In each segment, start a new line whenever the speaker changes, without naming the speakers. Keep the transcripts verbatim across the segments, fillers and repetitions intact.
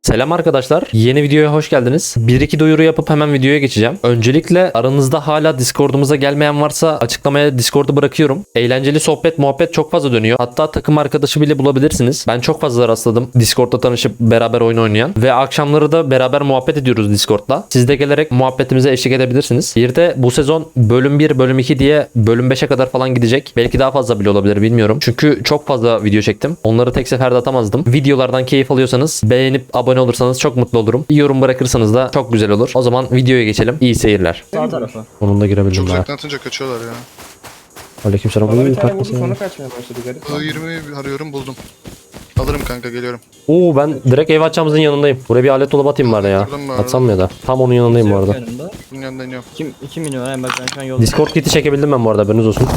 Selam arkadaşlar. Yeni videoya hoş geldiniz. bir iki duyuru yapıp hemen videoya geçeceğim. Öncelikle aranızda hala Discord'umuza gelmeyen varsa açıklamaya Discord'u bırakıyorum. Eğlenceli sohbet muhabbet çok fazla dönüyor. Hatta takım arkadaşı bile bulabilirsiniz. Ben çok fazla rastladım Discord'da tanışıp beraber oyun oynayan. Ve akşamları da beraber muhabbet ediyoruz Discord'da. Siz de gelerek muhabbetimize eşlik edebilirsiniz. Bir de bu sezon bölüm bir, bölüm iki diye bölüm beşe kadar falan gidecek. Belki daha fazla bile olabilir, bilmiyorum. Çünkü çok fazla video çektim. Onları tek seferde atamazdım. Videolardan keyif alıyorsanız beğenip abone olursanız çok mutlu olurum. Bir yorum bırakırsanız da çok güzel olur. O zaman videoya geçelim. İyi seyirler.
Sağ tarafa.
Onun da girebildim
Çok
daha.
uzaktan atınca kaçıyorlar ya.
Aleykümselam.
Bana bir
Uuu,
tane vurdu
kalkmasın
sonra
yani.
kaçmaya başladı garip.
I yirmi arıyorum buldum. Alırım kanka geliyorum.
Oo, ben direkt ev açacağımızın yanındayım. Buraya bir alet dolabı atayım bari ya.
Buradan mı
Atsam mı ya da? Tam onun yanındayım bu arada.
Yanımda.
Bunun yanında iniyorum.
Kim, iki milyon yani bak ben şu an yolda.
Discord kiti çekebildim ben bu arada, haberiniz olsun.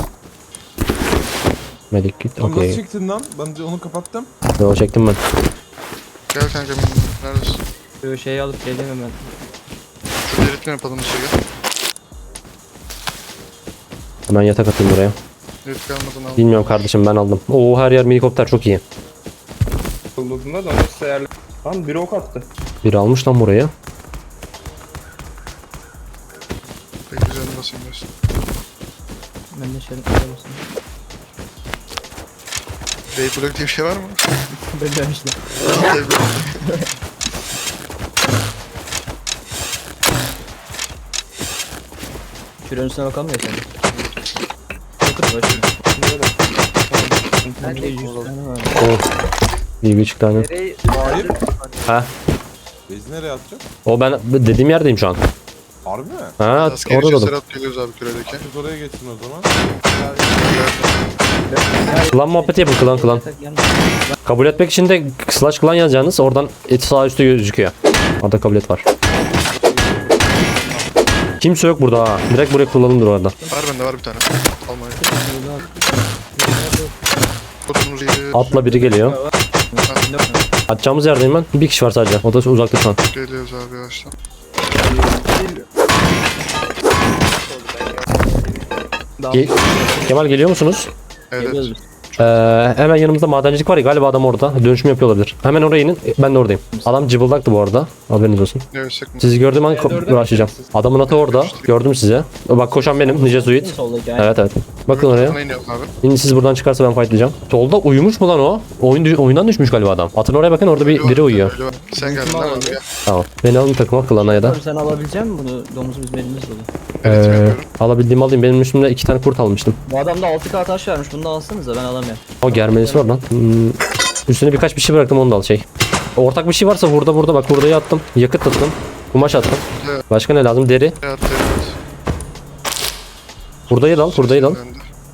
Medic kit,
Onu
okey.
nasıl çektin lan? Ben de onu kapattım.
Yo, çektim ben.
Gel kanka neredesin?
Şu şeyi alıp geleyim hemen.
Şu eritme yapalım içeri.
Hemen yatak atayım buraya.
Erit kalmadan al.
Bilmiyorum kardeşim, ben aldım. Oo, her yer minikopter, çok iyi.
Bulduğunda da onu sayarlı. Lan biri ok attı.
Biri almış lan burayı.
Peki üzerine basayım diyorsun.
Ben de şöyle koyarım.
Beyblok diye bir şey var mı?
Ben de işte.
Beyblok.
Şuranın üstüne bakalım ya sen. Bakın başına. Ben de yüz tane var.
Oo. İyi bir çıktı hani.
Hayır.
Ha.
Bezi nereye atacak?
O ben dediğim yerdeyim şu an.
Harbi mi?
Ha,
Askeri
orada
cesaret
da.
at geliyoruz abi küredeki.
Biz oraya geçsin o zaman.
Klan muhabbeti yapın, klan klan. Kabul etmek için de slash klan yazacaksınız. Oradan et sağ üstte gözüküyor. Orada kabul et var. Kimse yok burada ha. Direkt buraya kullanılır orada.
Var bende var bir tane. Almanya. Kodumuzu iyi.
Atla biri geliyor. Atacağımız yerdeyim ben. Bir kişi var sadece. O da uzakta şu an.
Geliyoruz abi yavaştan.
Ge- Kemal geliyor musunuz?
Evet.
Geliyoruz biz.
Ee, hemen yanımızda madencilik var ya, galiba adam orada. Dönüşüm yapıyor olabilir. Hemen oraya inin. Ben de oradayım. Adam cıbıldaktı bu arada. Haberiniz olsun.
Ne ölsek mi?
Sizi gördüğüm an uğraşacağım. Adamın atı orada. Gördüm size. Bak koşan benim. Nice Zuit.
Soldaki aynen.
Evet evet. Bakın oraya.
Sana iniyorum abi.
Şimdi siz buradan çıkarsa ben fightlayacağım. Solda uyumuş mu lan o? Oyun dü- oyundan düşmüş galiba adam. Atın oraya bakın, orada bir biri uyuyor.
Öyle var. Sen geldin değil mi abi? Gel.
Tamam. Beni alın takıma, klana ya da.
Abi sen alabilecek misin bunu? Domuz bizim elimizde dolu.
Evet
Ee,
yapıyorum.
alabildiğimi alayım. Benim üstümde iki tane kurt almıştım.
Bu adamda altı K taş vermiş. Bunu da alsanıza ben alamıyorum.
O germelisi var lan. Hmm. Üstüne birkaç bir şey bıraktım, onu da al şey. Ortak bir şey varsa burada burada bak, hurdayı attım. Yakıt attım. Kumaş attım.
Evet.
Başka ne lazım? Deri.
Evet evet.
Hurdayı da al, hurdayı da al.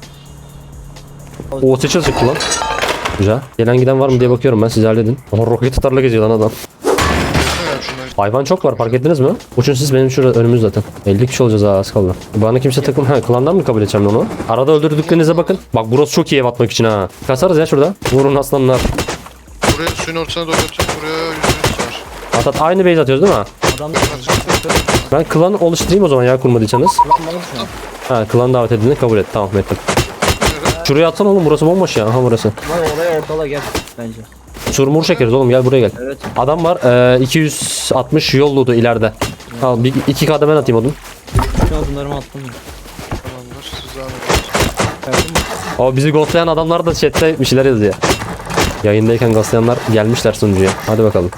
O seçil çıktı lan. Güzel. Gelen giden var mı diye bakıyorum ben, siz halledin. Oha, roket atarla geziyor lan adam. Hayvan çok var, fark ettiniz mi? Uçun siz, benim şurada önümüz zaten. elli kişi olacağız ha, az kaldı. Bana kimse takım... Ha, klandan mı kabul edeceğim onu? Arada öldürdüklerinize bakın. Bak burası çok iyi ev atmak için ha. Kasarız ya şurada. Vurun aslanlar.
Buraya suyun ortasına doğru atıyorum. Buraya yüzünüz var.
At at, aynı base atıyoruz değil mi?
Adamda
Ben klan oluşturayım o zaman ya, kurmadıysanız. Ha, klan davet edildiğini kabul et. Tamam, ettim. Şuraya atsan oğlum, burası bomboş ya. Aha burası.
var oraya ortala gel bence.
Surmur çekeriz oğlum, gel buraya gel.
Evet.
Adam var e, iki yüz altmış yolludu ileride. Al bir iki K'da ben atayım odun.
Şu an bunlarımı attım.
Tamamdır. Siz devam edin.
O bizi ghostlayan adamlar da chatte bir şeyler yazıyor. Yayındayken ghostlayanlar gelmişler sunucuya. Hadi bakalım.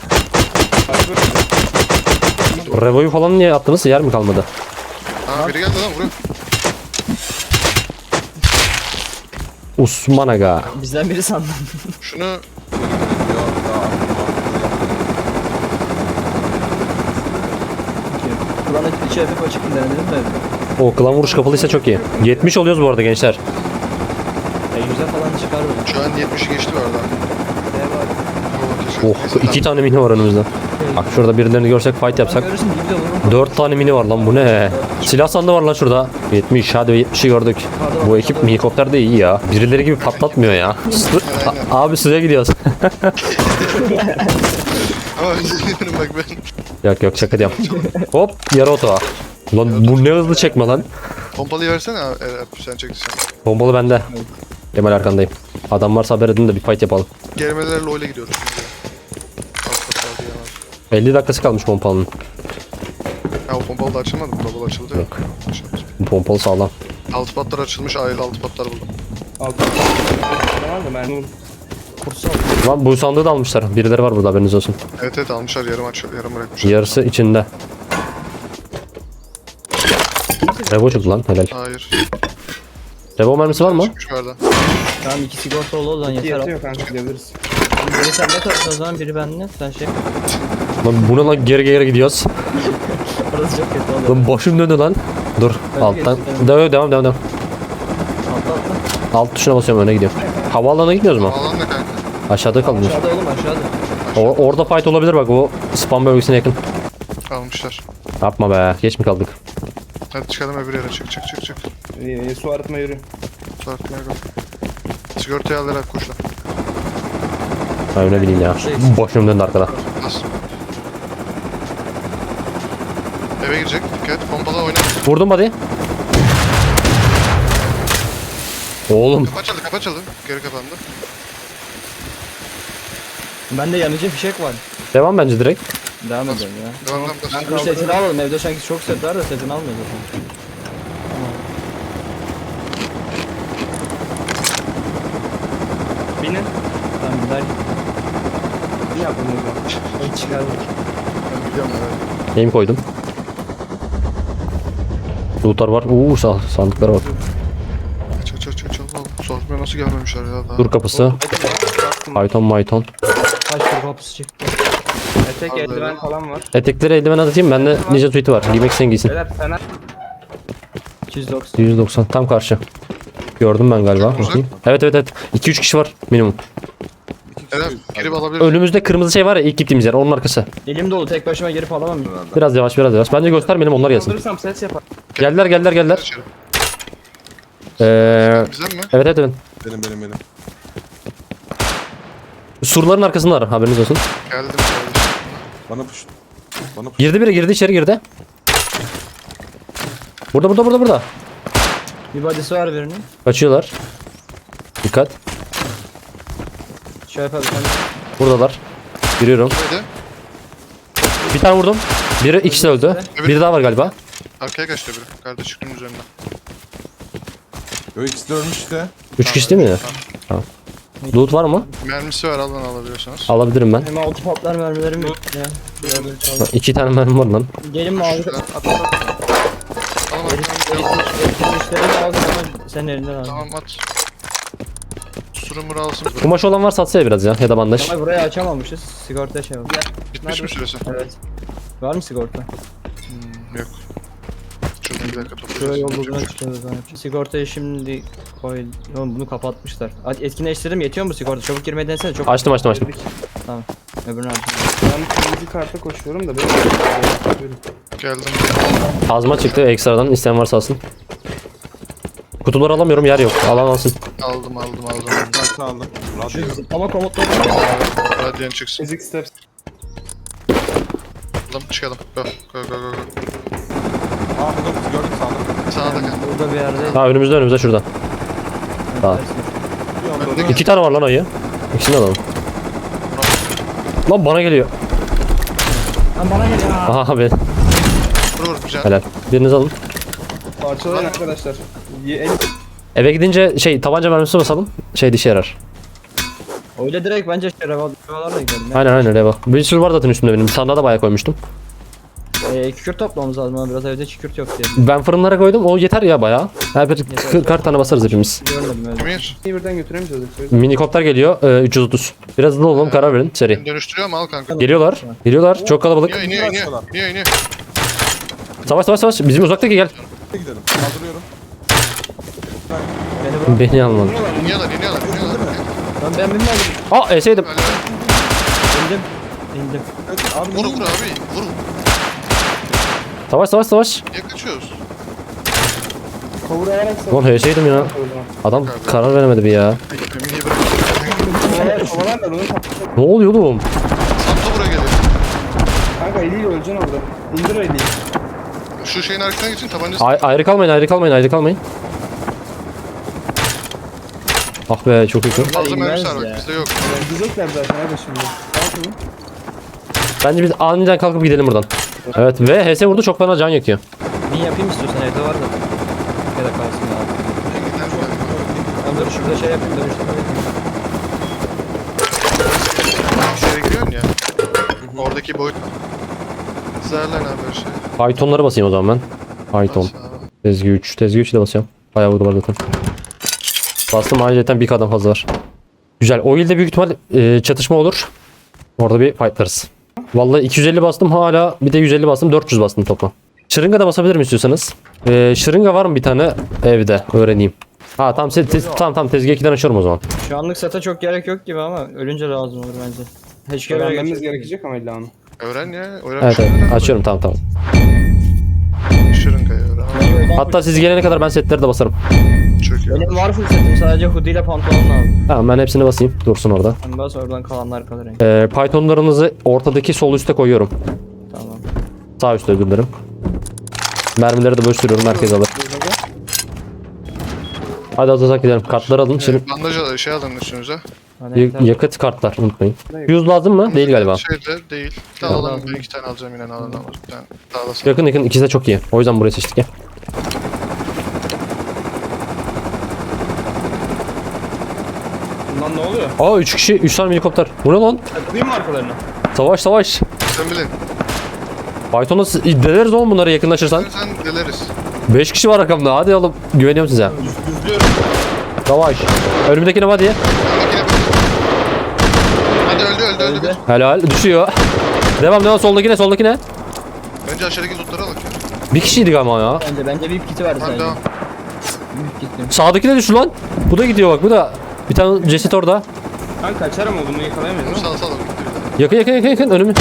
Revo'yu falan niye attınız? Yer mi kalmadı?
Aa biri geldi lan buraya.
Osman Aga.
Bizden biri sandım.
Şunu
Kulağına içi hafif açık mı denedim de.
O klan vuruş kapalıysa çok iyi. yetmiş oluyoruz bu arada gençler.
Ya yüze falan çıkar böyle.
şu an yetmişi geçti bu arada.
Ne var?
Oh,
Oh, iki tane mini var önümüzde. Bak şurada birilerini görsek fight yapsak.
Görürsün gibi de vururum.
dört tane mini var lan, bu ne? Silah sandığı var lan şurada. yetmiş, hadi yetmişi gördük. Bu ekip minikopter de iyi ya. Birileri gibi patlatmıyor ya. Su- A- abi suya gidiyoruz.
Ama üzülüyorum bak ben.
Yok yok, şaka diyorum. Hop, yarı oto. Lan bu ne hızlı çekme lan.
Pompalıyı versene abi. Eğer sen çektiysen.
Bombalı bende. Kemal arkandayım. Adam varsa haber edin de bir fight yapalım.
Germelerle oyla gidiyoruz. Alt kat
elli dakikası kalmış pompalının.
Ya o pompalı da açılmadı mı? Double açıldı ya.
Yok.
Açıldı.
Bu pompalı sağlam.
Altı patlar açılmış. Ayrı altı patlar buldum.
Altı. Ne var da ben
Lan bu sandığı da almışlar. Birileri var burada, haberiniz olsun.
Evet evet almışlar. Yarım aç, yarım bırakmışlar.
Yarısı içinde. Revo çıktı lan, helal.
Hayır.
Revo mermisi var mı?
Çıkmış verdi.
Tamam iki sigortalı ol lan
iki
yeter.
yatıyor kanka gidebiliriz.
Biri sende kalsın o zaman biri bende. Sen şey
Lan bu ne lan, geri geri gidiyoruz.
Orası çok kötü olur.
Lan başım döndü lan. Dur alttan.
geçti,
Devam devam devam. devam.
Atla atla.
Alt tuşuna basıyorum, öne gidiyor. Havaalanına gitmiyoruz mu?
Alan ne kanka?
Aşağıda kalmıyor.
Aşağıda oğlum aşağıda.
O, orada fight olabilir bak, o spam bölgesine yakın.
Almışlar.
Yapma be, geç mi kaldık?
Hadi çıkalım öbür yere. Çık çık çık çık.
Ee, su arıtma yürü.
Tartmaya kal. Sigortayı al Eray koş lan.
Ben ne bileyim ya. Başım döndü arkada.
Bas. Eve girecek. Dikkat. Pompalı oyna.
Vurdum body. Oğlum
Kapı açıldı. Kapı açıldı. Geri kapandı.
Bende yanıcı fişek var.
devam bence direkt.
Devam edelim ya.
Devam devam.
Ben
Dur
kaldırırım.
setini alalım. Evde sanki çok set var da setini almıyoruz.
Binin.
Tamam gider.
Ne yapalım o zaman?
Hiç çıkardım.
Ben biliyorum evet.
Aim koydum. Lootlar var. Uuu sağ, sandıklara bak.
Aç aç aç aç. Allah'ım. Soğutmaya nasıl gelmemişler ya daha.
Dur kapısı. Python Mython.
Kaç tur kapısı çıktı.
Etek
Al
eldiven
böyle.
falan var.
Etekleri eldiven atayım. Bende Ninja tweet'i var. Giymek sen giysin.
Beyler fener.
iki yüz doksan.
yüz doksan tam karşı. Gördüm ben galiba.
Uzak.
Bakayım. Evet evet evet. iki üç kişi var minimum.
İki
Eren
kişi
girip alabilir.
Önümüzde kırmızı şey var ya, ilk gittiğimiz yer, onun arkası.
Elim dolu tek başıma girip alamam.
Biraz yavaş biraz yavaş. Bence göstermeyelim, onlar gelsin.
Kaldırırsam ses yapar.
Geldiler geldiler geldiler.
İçeri.
Ee,
Bizden mi?
evet evet evet.
Benim benim benim.
Surların arkasındalar, haberiniz olsun.
Geldim.
Bana push. Bana push.
Girdi biri, girdi içeri girdi. Burada burada burada burada.
Bir body'si var birinin.
Kaçıyorlar. Dikkat.
Şöyle yapalım.
Buradalar. Giriyorum.
Neydi?
Bir tane vurdum. Biri ikisi de öldü. Biri daha var galiba.
Arkaya kaçtı biri. Kardeş çıktım üzerine.
Yo ikisi de ölmüş işte.
Üç kişi değil mi? Tamam. Loot var mı?
Mermisi var alın alabiliyorsanız.
Alabilirim ben.
Hem altı patlar mermilerim yok ya. Şöyle çaldım.
İki tane mermim var lan.
Gelin mavi.
Şurada.
At at at.
Tamam
Müşteriyi aldım ama senin elinden aldım.
tamam at. Surumuru alsın.
Kumaş olan varsa atsaya biraz ya. Ya da bandaj.
Ama burayı açamamışız. Sigorta şey oldu.
Bitmiş mi süresi?
Evet. Var mı sigorta?
Hmm, yok. Şuradan bir dakika
Şuraya
toplayacağız.
yol bulduğuna çıkıyoruz. Sigortayı şimdi koy. Oğlum bunu kapatmışlar. Hadi etkinleştirdim, yetiyor mu sigorta? Çabuk girmeyi denesene, çok
Açtım açtım açtım.
öbürünü açtım.
Ben kırmızı karta koşuyorum da benim. Buyurun.
Geldim.
Azma çıktı ekstradan, isteyen varsa alsın. Kutuları alamıyorum, yer yok. Alan alsın.
Aldım aldım aldım.
Kaçını aldım. Radyo.
Ama komutları
Radyan çıksın.
Fizik steps.
Aldım çıkalım. Go go go go. go.
Aa burada kutu gördüm sağda.
Sağda kal.
burada bir yerde.
Ha önümüzde önümüzde şurada. Tamam.
Bir anda da
İki tane var lan ayı. İkisini de alalım. Lan bana geliyor.
Lan bana gel ya.
Aha be.
Vur vur güzel.
Helal. Biriniz alın.
Parçalayın arkadaşlar. Ye- El
Eve gidince şey tabanca mermisi basalım. Şey dişe yarar.
Öyle direkt bence şey revolverlarla gidelim. Ya.
Aynen aynen reva. Bir sürü var zaten üstümde benim. Sandığa da bayağı koymuştum.
Ee, kükürt toplamamız lazım ama biraz evde kükürt yok diye.
Ben fırınlara koydum. O yeter ya bayağı. Her bir kırk tane basarız hepimiz.
Görmedim öyle.
Emir.
birden götüremeyeceğiz. yoksa.
Minikopter geliyor. e, üç yüz otuz. Biraz hızlı olalım, karar verin. Seri.
Beni dönüştürüyor mu al kanka.
Geliyorlar. Geliyorlar. Çok kalabalık.
İniyor iniyor iniyor. İniyor iniyor.
Savaş savaş savaş. Bizim uzaktaki gel.
gidelim. Kaldırıyorum.
Beni bırak.
Beni almadı.
İniyorlar iniyorlar iniyorlar.
Lan ben bilmedim.
Aa eseydim.
Böyle.
İndim. İndim.
Evet, abi
Vur
niye-
vur abi. Vur.
Savaş savaş savaş.
Niye kaçıyoruz?
Kavur alarak savaş.
Lan eseydim ya. Adam karar veremedi bir ya.
Emir'i bırak.
Kovalar kovalar da bunu kap-
Ne oluyor oğlum?
Santo buraya geliyor.
Kanka eliyle öleceksin orada. İndir eliyi.
Şu şeyin arkasına geçin tabancası.
Ay ayrı kalmayın ayrı kalmayın ayrı kalmayın. Ah be çok iyi.
Fazla
inmez
mermisi var
ya.
bak bizde yok.
Gidecekler zaten hadi şimdi. Al şunu.
Bence biz aniden kalkıp gidelim buradan. Evet ve H S vurdu, çok fena can yakıyor.
Bin yapayım istiyorsan, evde var da. Ya da kalsın ya.
Gider galiba.
Ben dur şurada şey yapayım, dönüştürme yapayım.
Şeye giriyorsun ya. Oradaki boyut. Zerlen abi her şey.
Python'ları basayım o zaman ben. Python.
Bas abi.
Tezgah üç. Tezgah üç de basıyorum. Bayağı vurdular zaten. Bastım, ayrıca bir kadın fazla var. Güzel. O ilde büyük ihtimal e, çatışma olur. Orada bir fightlarız. Vallahi iki yüz elli bastım, hala bir de yüz elli bastım, dört yüz bastım toplam. Şırınga da basabilirim istiyorsanız. Ee, şırınga var mı bir tane evde, öğreneyim. Ha tamam, te- te- tamam tamam tezgah ikiden açıyorum o zaman.
Şu anlık sete çok gerek yok gibi ama ölünce lazım olur bence. Hiç göre
Öğrenmemiz gerekecek ama illa onu.
Öğren ya. Öğren.
Evet evet, açıyorum, tamam tamam.
Şırıngayı öğren.
Hatta siz gelene kadar ben setleri de basarım.
Çok iyi.
Benim var full setim, sadece hoodie ile pantolon lazım.
Tamam, ben hepsini basayım, dursun orada.
Ben bas, oradan kalanlar kalır. Yani.
Ee, Python'larınızı ortadaki sol üste koyuyorum.
Tamam.
Sağ üstte özür dilerim. Mermileri de bölüştürüyorum, herkes alır. Hadi hadi hadi gidelim. Kartları alın. Şimdi
Ee, bandaj al- şey alın üstünüze.
Hani
y-
evde-
yakıt kartlar unutmayın. Yüz lazım mı? Değil galiba.
Şeyde değil. Bir tane alalım. Ben iki tane alacağım yine alalım. Bir tane daha da sen.
Yakın yakın, ikisi de çok iyi. O yüzden burayı seçtik ya.
Lan ne oluyor?
Aa üç kişi, üç tane helikopter. Bu ne lan?
Takılayım mı arkalarına?
Savaş savaş.
Sen bilin.
Python'da siz- deleriz oğlum bunları yakınlaşırsan.
Sen deleriz.
beş kişi var arkamda. Hadi oğlum. Güveniyorum size.
Düzlüyorum.
Savaş. Önümdekine hadi.
Makine bak. Hadi öldü öldü öldü.
Öldü.
Helal. Düşüyor. Devam devam, soldakine soldakine.
Bence aşağıdaki lootları al ya.
Bir kişiydik ama ya.
Bence bence bir kiti verdi
Hadi
sadece.
devam.
Büyük gittim.
Sağdaki de düştü lan. Bu da gidiyor bak, bu da. Bir tane ceset orada.
Ben kaçarım o, bunu yakalayamayız
Bunu
değil mi?
sal sal. Gitti bir de.
Yakın yakın yakın yakın önümü.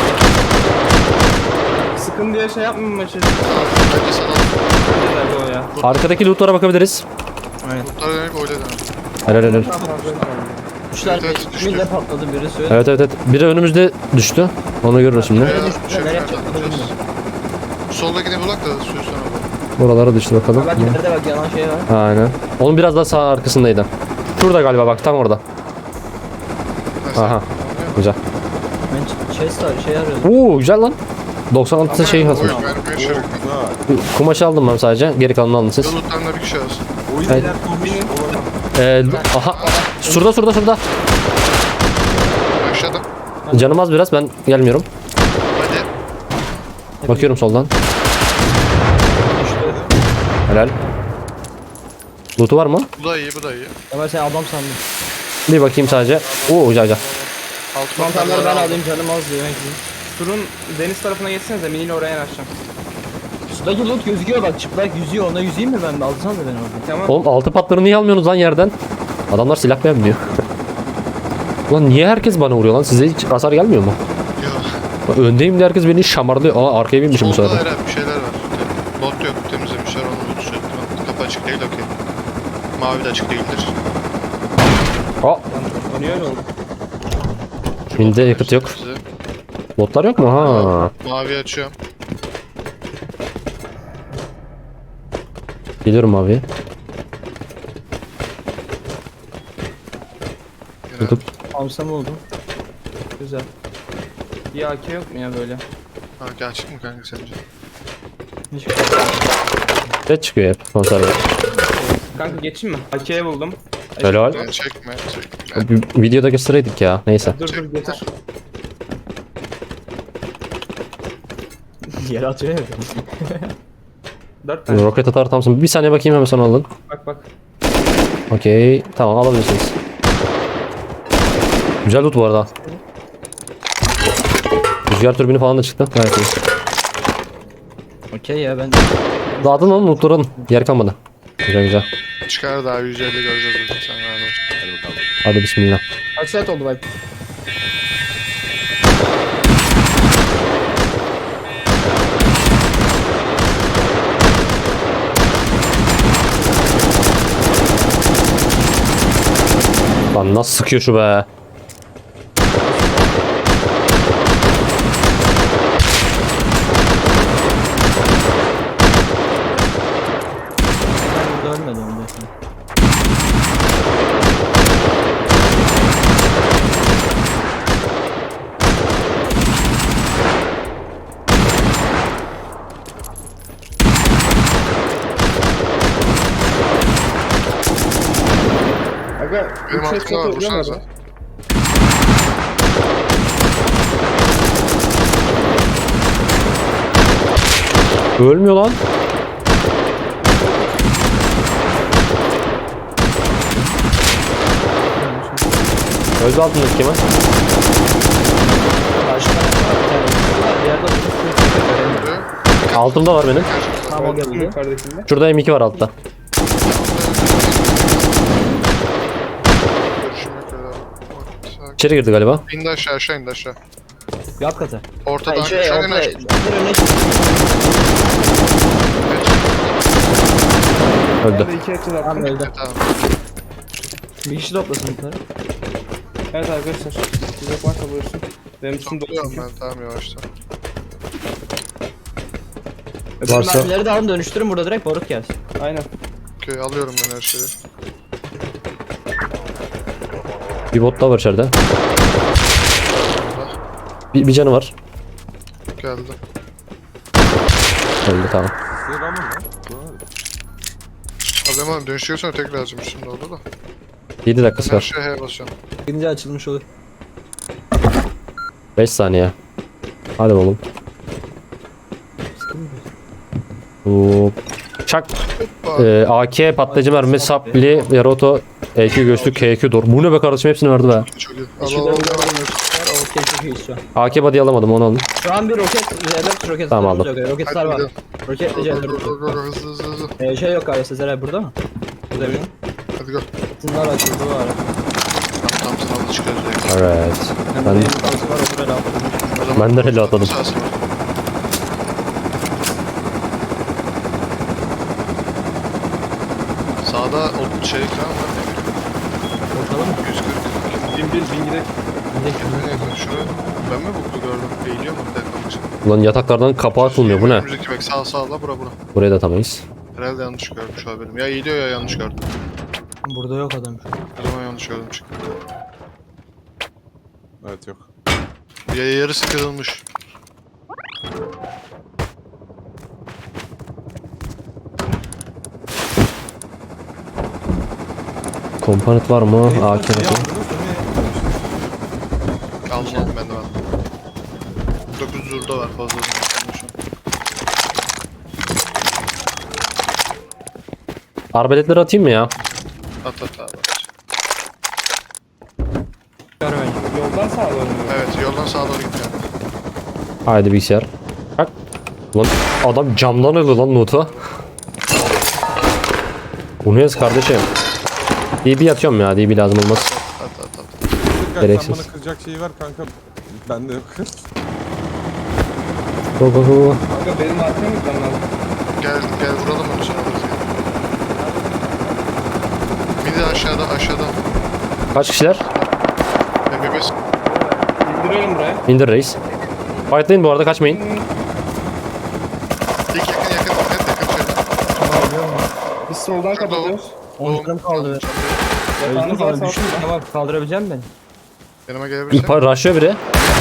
Sıkın diye şey yapmayayım maçı.
Bence sana al.
Bence de o ya.
Arkadaki lootlara bakabiliriz.
Lootları demek öyle demek.
Helal helal.
Üçler
Evet, evet, düştü.
mille patladı biri söyle.
Evet evet evet. Biri önümüzde düştü. Onu görürüz şimdi.
Veya
düştü,
şey
nereye
nereden
çarptı
bulacağız?
bilmiyorum.
Soldakini bulak da suyu sonra bul.
Buralara düştü bakalım.
Bak ileride bak yanan şey var.
Aynen. Onun biraz daha sağ arkasındaydı. Şurada galiba, bak tam orada.
Mesela.
Aha. Güzel.
Ben ç- chest var, şey arıyordum.
Oo güzel lan. doksan altı şey hazır.
Oyun ben bir şey yok.
Güzel.
Kumaşı aldım ben sadece. Geri kalanını alın siz.
Lootlarında bir kişi alsın.
Oyun
Evet.
iler kurmuş olamaz.
Ee, aha. Şurada şurada şurada.
Aşağıda.
Canım az biraz, ben gelmiyorum.
Hadi.
Bakıyorum soldan.
Düştü.
Helal. Loot'u var mı?
Bu da iyi bu da iyi.
Ama sen adam sandım.
Bir bakayım sadece. Oo güzel güzel.
Altı
Mantarları ben
mantarları
alayım, canım az diyor.
Turun deniz tarafına geçsenize, miniyle oraya yanaşacağım.
Sudaki loot gözüküyor bak, çıplak yüzüyor, ona yüzeyim mi ben? Alsana da ben orada.
Tamam.
Oğlum altı patlarını niye almıyorsunuz lan yerden? Adamlar silah beğenmiyor. Ulan niye herkes bana vuruyor lan? Size hiç hasar gelmiyor mu?
Yok.
Öndeyim de herkes beni şamarlıyor. Aa arkaya binmişim bu
Solda
sefer.
Eren bir şeyler var. Bot yok temizlemişler onu loot sürekli. Kapı açık değil okey. Mavi de açık değildir.
Aa
O niye öyle oldu?
binde yakıt yok.
Bize.
Botlar yok mu? Ha.
Mavi açıyorum.
Geliyorum abi.
Eren.
Tutup.
Amsam oldu.
Güzel. Bir A K yok mu ya böyle?
Ha gerçek mi kanka sence?
Hiç
Set çıkıyor hep konserve.
Kanka geçeyim mi? A K'ye buldum.
Helal.
Yani çekme çekme.
Bir videoda göstereydik ya. Neyse.
Dur dur getir.
Yere atıyor ya.
Dört tane.
Roket atar tamsın. Bir saniye bakayım, hemen sonra alın.
Bak bak.
Okey. Tamam, alabilirsiniz. Güzel loot bu arada. Rüzgar türbini falan da çıktı. Gayet iyi.
Okey ya ben.
Dağıtın lan lootları. Yer kalmadı. Güzel güzel.
Çıkar daha yüz elli göreceğiz bugün sen rahat ol.
Hadi bismillah.
Kaç saat oldu bak?
Lan nasıl sıkıyor şu be.
Ben burada ölmedim bir de.
Aga
Benim
üç
altımda
headshot
var,
oluyor
vursanıza.
mu?
Ölmüyor lan. Öldü altındaki Kemal.
Karşıda var bir tane. Bir yerde oturup
Altımda var benim.
Tamam o
Öldürdüm
geldi.
yukarıdakinde.
Şurada M iki var altta.
Görüşüm yok öyle. Sakin.
İçeri girdi galiba.
İndi aşağı aşağı indi aşağı.
Bir alt katı.
Ortada
Ha, şey,
aşağı en
ortada.
aşağı.
Bir öne çık.
Öldü.
Ben de iki headshot
Tamam
attım.
öldü.
Tamam.
Bir kişi toplasın bunları.
Evet arkadaşlar. Size varsa buyursun. Benim üstüm dolu
Topluyorum
çünkü.
ben tamam yavaştan.
Varsa-
Mermileri de alın dönüştürün burada direkt barut gelsin.
Aynen.
Okey alıyorum ben her şeyi.
Bir bot daha var içeride. Bir, bir canı var.
Geldi.
Öldü tamam.
Size rağmen lan. Bu ne?
Alayım abi dönüşüyorsan tekrar lazım şimdi oldu da.
yedi
Ben
dakikası
her
var.
şeye H basıyorum.
Gidince açılmış olur.
beş saniye. Hadi oğlum. Hop. Çak.
Hoppa.
Ee, A K patlayıcı mermi, sapli, Yaroto, E Q göğüslük, K Q dor. Bu ne be kardeşim, hepsini verdi be.
Çok iyi. Al
İçinde
al al.
bir var. Okey çok iyi şu an.
A K body alamadım, onu aldım.
Şu an bir roket, C dört roket
Tamam,
starımız
aldım.
yok. Roketler var.
Hadi
Roketle
Go
C
go
dört.
go go go hızlı hızlı hızlı.
Ee, şey yok galiba Sezer abi burada mı? Burada bir.
Hadi go.
Bunlar açıldı var.
Tamam tamam sınavda çıkıyoruz direkt.
Evet.
Ben
Ben
de var otur hele
O zaman
Ben de hele atladım.
sağsın. Sağda o şey falan var.
Ortalama mı?
yüz kırk.
Bin bir bin gidelim.
Kendine yakın. Şuraya. Ben mi buklu gördüm? Eğiliyor mu? Bir dakika bakacağım.
Ulan yataklardan kapağı atılmıyor, bu ne?
Önümüzdeki bak sağ sağla bura bura.
Burayı da atamayız.
Herhalde yanlış görmüş haberim. Ya eğiliyor ya yanlış gördüm.
Burada yok adam şu an.
O zaman yanlış gördüm çıktı.
Evet yok.
Ya yarısı kırılmış.
Komponent var mı? A K
Niye
bakayım.
aldınız da niye?
Aldım aldım ben de aldım. dokuz zurda var fazla.
Arbeletleri atayım mı ya?
At at at.
Gör beni.
Yoldan sağa dönüyor.
Evet yoldan sağa doğru gitti yani.
Haydi bilgisayar. Bak. Ulan adam camdan alıyor lan notu. Bu ne yaz kardeşim? D B atıyorum ya, D B lazım olmaz.
At at at.
Kırk sen
Gereksiz.
bana kıracak şeyi ver kanka. Bende yok.
Go go go.
Aga benim arkaya mı gitmem lazım?
Gel gel vuralım onu sonra alırız gel. Bir de aşağıda aşağıda.
Kaç kişiler?
M B beş.
İndiriyorum buraya.
İndir reis. Fightlayın bu arada, kaçmayın.
İlk yakın yakın net yakın şöyle.
Biz soldan kapatıyoruz.
on canım kaldı.
Yatağınız
Öldüm
varsa
abi düştüm.
atın da.
Tamam kaldırabileceğim beni.
Yanıma gelebilirsin.
İlk rushlıyor biri.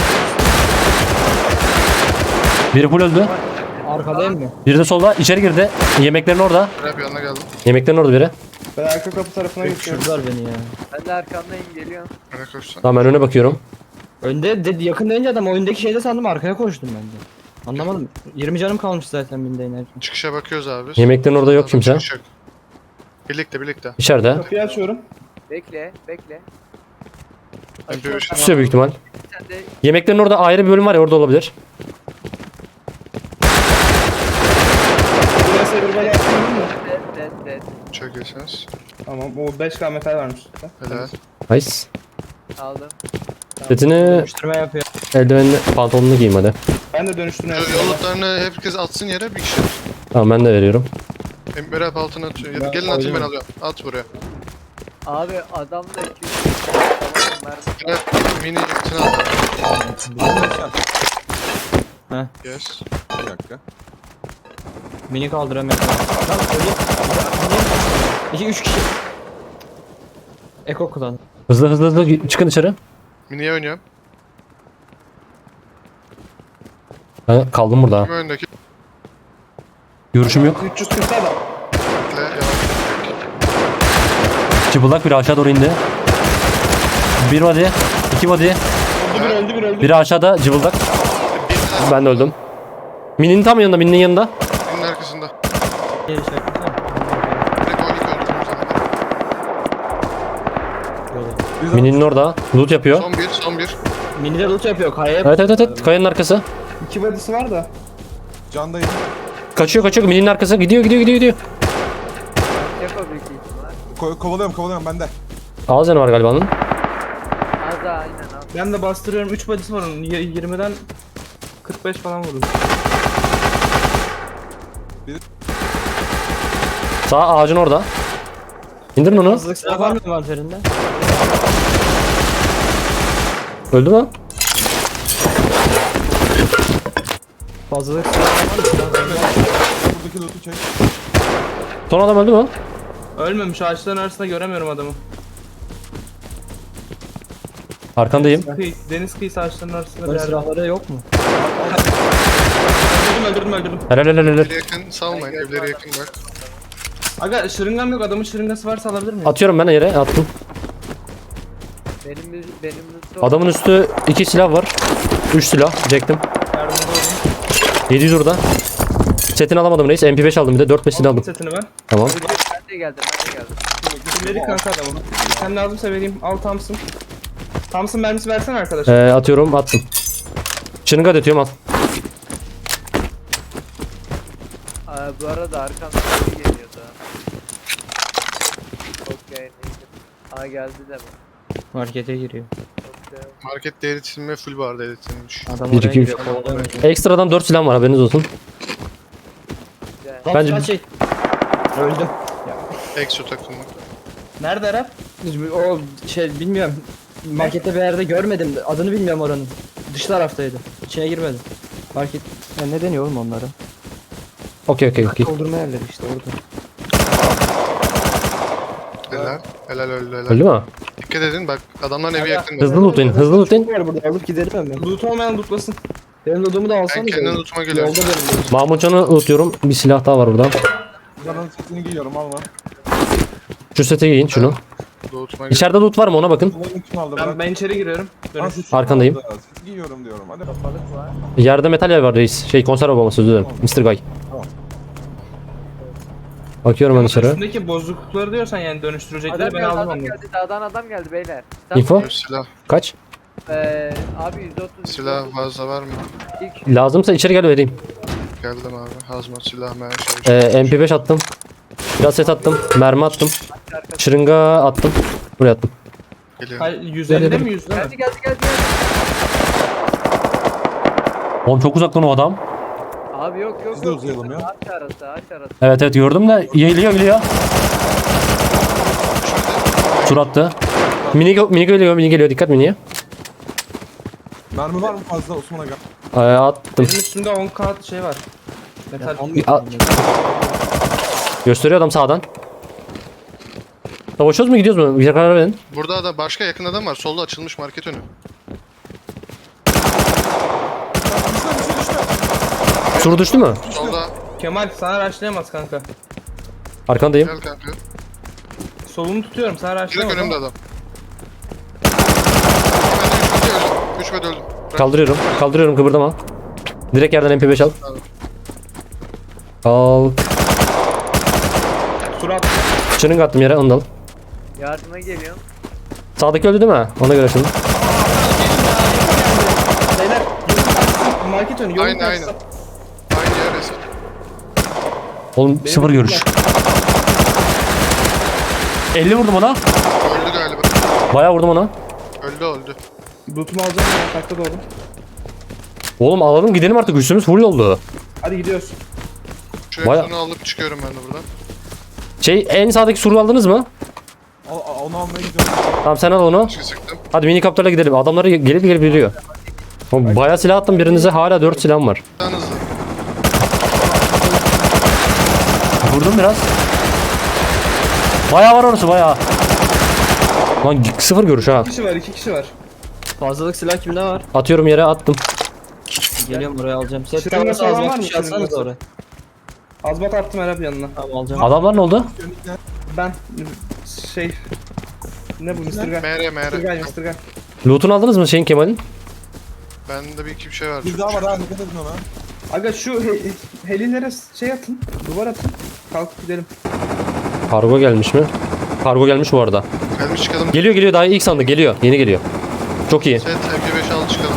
Biri full öldü.
Arkadayım mı?
Biri de solda. İçeri girdi. Yemeklerin orada.
Rap yanına geldim.
Yemeklerin orada biri.
Ben arka kapı tarafına geçiyorum.
Düşürdüler beni ya.
Ben de arkamdayım geliyorum.
Öne koşsan.
Tamam, ben öne bakıyorum.
Önde de, yakın deyince adam oyundaki şeyde sandım arkaya koştum ben de. Anlamadım. yirmi canım kalmış zaten binde inerken.
Çıkışa bakıyoruz abi.
Yemeklerin orada yok kimse.
Çıkış yok. Birlikte birlikte.
İçeride.
Kapıyı açıyorum.
Bekle, bekle.
M P beş.
Tutuyor büyük ihtimal.
Sen de
Yemeklerin orada ayrı bir bölüm var ya, orada olabilir.
Buraya sayılır böyle yaptın mı?
dead, dead, dead.
Çok iyisiniz.
Tamam o beş K metal varmış.
Helal.
Nice.
Aldım.
Setini,
Dönüştürme yapıyor.
eldivenini, pantolonunu giyeyim hadi.
Ben de dönüştürme
Yo-
yapıyorum.
Yolluklarını herkes atsın yere bir kişi.
Tamam, ben de veriyorum.
Hem Rap altına atıyor. Ya da
Ben
gelin atayım ben
koydum.
alıyorum. At buraya.
Abi adam da iki yüz. Tamam ben.
Rap mini itine at.
Heh.
Yes.
Bir dakika.
Mini kaldıramıyorum. Lan öyle. İki üç kişi. Eko kullan.
Hızlı hızlı hızlı çıkın dışarı.
Mini'ye oynuyorum.
Ben kaldım burada.
Kim öndeki?
Görüşüm yok.
üç yüz kırk adam.
Bekle yavaş.
Çıbıldak biri aşağı doğru indi. Bir body. iki body.
Öldü bir öldü bir öldü.
Biri aşağıda cıbıldak.
Bir
Ben de öldüm. Mini'nin tam yanında. Mini'nin yanında.
birinin arkasında.
Geri şey yapsana.
Direkt o ilk öldürdüm zaten.
Yolu.
Mini'nin orada. Loot yapıyor.
Son bir, son bir.
Mini de loot yapıyor. Kayaya
Evet evet evet. Kayanın arkası.
İki body'si var da.
Candayım.
Kaçıyor kaçıyor. Mini'nin arkası. Gidiyor gidiyor gidiyor gidiyor.
Yako büyük ihtimal.
Ko kovalıyorum kovalıyorum bende.
Ağız yanı var galiba onun.
Az daha aynen abi.
Ben de bastırıyorum. üç body'si var onun. Y- yirmiden kırk beş falan vurdum.
Sağ ağacın orada. İndirin onu.
Hızlık silah var mı envanterinde?
Öldü mü?
Fazlalık silah var mı?
Buradaki loot'u çek.
Son adam öldü mü?
Ölmemiş. Ağaçların arasında göremiyorum adamı.
Arkandayım.
Kıyı, deniz kıyısı ağaçların arasında bir
Böyle
yerde.
silahları yok mu?
Öldürdüm öldürdüm öldürdüm.
Helal helal helal.
Evlere yakın salmayın, evlere yakın bak.
Aga şırıngam yok. Adamın şırıngası varsa alabilir miyim?
Atıyorum ben yere. Attım.
Benim benim lütfen.
Adamın üstü iki silah var. Üç silah. Çektim.
Yardımcı oldum.
yedi yüz orada. Setini alamadım reis. M P beş aldım bir de. dört beş
Aldım
aldım.
setini ben.
Tamam.
Ben de geldim ben de geldim.
Kimleri kanka adamın. Sen lazımsa vereyim. Al Thompson. Thompson mermisi versene arkadaş.
Ee, atıyorum attım. Şırınga da atıyorum al.
Aa, bu arada arkamdan biri geliyordu. Okey neydi? Aa geldi de mi?
Markete giriyor.
Okey.
Markette eritilme full barda eritilmiş.
Adam
Bir,
oraya
iki, üç.
giriyor. kovalıyor.
Ekstradan dört silah var haberiniz olsun.
Güzel.
Lan
Bence-
silah çek. Öldüm.
Exo takımı.
Nerede Arap?
O şey bilmiyorum. Markette bir yerde görmedim. Adını bilmiyorum oranın. Dış taraftaydı. İçine girmedim. Market... Ya ne deniyor oğlum onlara?
Okey okey okey.
Doldurma yerleri işte orada.
Helal. Helal öldü helal.
Öldü mü?
Dikkat edin bak adamların evi yakın.
Hızlı lootlayın. Hızlı lootlayın.
Var burada alıp giderim hemen.
Loot olmayan lootlasın.
Benim lootumu da
Ben
alsanız.
kendi lootuma geliyorum.
Yolda benim lootum.
Mahmutcan'ı lootuyorum. Bir silah daha var burada.
Canın setini giyiyorum alma.
Şu sete giyin şunu.
Lootuma geliyorum.
İçeride loot var mı ona bakın.
Kovalıyorum kim aldı
Ben,
bırak.
ben içeri giriyorum.
Lan
Dönüş.
seti
Arkandayım.
aldı. Seti giyiyorum diyorum hadi.
Balık var.
Yerde metal yer var reis. Şey konserve bombası özür dilerim. mister Guy.
Tamam.
Bakıyorum ben dışarı.
Üstündeki bozuklukları diyorsan yani dönüştürecekleri
Adam
ben
geldi
aldım
adam
onu.
geldi dağdan adam geldi beyler.
Info?
Silah.
Kaç?
Eee abi yüz otuz.
Silah fazla var mı?
İlk
Lazımsa içeri gel vereyim.
Geldim abi. Hazmat silah mermi çalışıyor.
Ee, M P beş attım. Biraz set attım. Mermi attım. Şırınga attım. Buraya attım.
Geliyorum.
Hayır yüz ellide mi yüzde mi?
geldi geldi geldi. geldi.
Oğlum çok uzaktan o adam.
Abi yok yok
Biz de
yok.
uzayalım ya.
Ağaç arası ağaç arası.
Evet evet gördüm de geliyor geliyor. Tur attı. Mini, mini geliyor mini geliyor dikkat miniye.
Mermi var mı fazla Osman'a gel.
Ee, attım.
Benim üstümde on kağıt şey var. Metal.
A- Gösteriyor adam sağdan. Savaşıyoruz mu gidiyoruz mu? Bir karar verin.
Burada da başka yakın adam var. Solda açılmış market önü.
Sur düştü mü?
Solda.
Kemal sana rushlayamaz kanka.
Arkandayım.
Gel kanka.
Solunu tutuyorum sana
Direkt
rushlayamaz.
önümde
ama-
adam. Ben de üç bede öldüm. üç bede öldüm. Bırak.
Kaldırıyorum. Kaldırıyorum kıpırdama. Direkt yerden M P beş al. Al.
Surat.
Çırınga attım yere onu da al.
Yardıma geliyorum.
Sağdaki öldü değil mi? Ona göre şimdi.
Beyler yolun market önü yolun
Aynen,
karşısı.
aynen. Aynı yer eski.
Oğlum sıfır görüş. elli vurdum ona.
Öldü galiba.
Bayağı vurdum ona.
Öldü öldü.
Lootumu alacağım ben takta doğru.
Oğlum alalım gidelim artık üstümüz full oldu.
Hadi gidiyoruz.
Şu
Bayağı-
Exo'nu alıp çıkıyorum ben de buradan.
Şey en sağdaki suru aldınız mı?
Al, al- onu almaya gidiyorum.
Tamam sen al onu.
Çıkı sıktım.
Hadi minikopterle gidelim. Adamları gelip gelip geliyor. Oğlum, bayağı silah attım birinize hala dört silahım var.
Daha hızlı.
Vurdum biraz. Bayağı var orası bayağı. Lan sıfır görüş ha.
İki kişi var iki kişi var.
Fazlalık silah kimde var?
Atıyorum yere attım.
Geliyorum buraya alacağım. Set
Şırınga
tavası
falan
az
var
bak
mı?
bir şey atsanız
Şırıngası?
oraya.
Azbat attım Arap yanına.
Tamam alacağım.
Adamlar ne oldu?
Ben şey Ne bu Mister Guy?
M R M
Mister
R.
Guy, Mister Guy.
Loot'unu aldınız mı şeyin Kemal'in?
Bende bir iki bir şey var.
Bir daha var ha dikkat edin ona.
Aga şu he- helilere şey atın, duvar atın. Kalkıp gidelim.
Kargo gelmiş mi? Kargo gelmiş bu arada.
Gelmiş çıkalım.
Geliyor geliyor daha ilk sandık geliyor. Yeni geliyor. Çok iyi.
Set M P beş al çıkalım.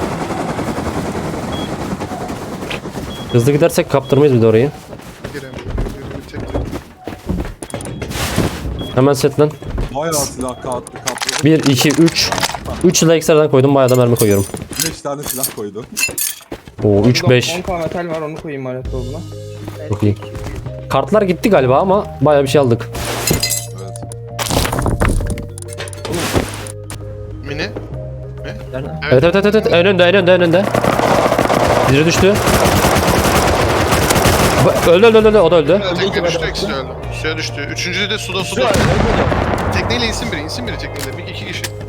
Hızlı gidersek kaptırmayız bir de orayı.
Giremiyorum. Bir tek tek.
Hemen setlen.
Bayağı silah katlı kapladı.
bir, iki, üç. üç silah ekstradan koydum. Bayağı da mermi koyuyorum.
beş tane silah koydu.
Oo üç, beş.
on K metal var, onu koyayım alet dolabına.
Çok iyi. Kartlar gitti galiba ama bayağı bir şey aldık.
Evet.
Mini.
Nerede?
Evet evet evet, evet. En önde en önde en önde. Biri düştü. Ba- Öldü öldü öldü o da öldü.
Tekne düştü, ikisi de öldü. Suya düştü. Üçüncü de suda suda. Tekneyle insin biri, insin biri tekneyle. Bir iki kişi.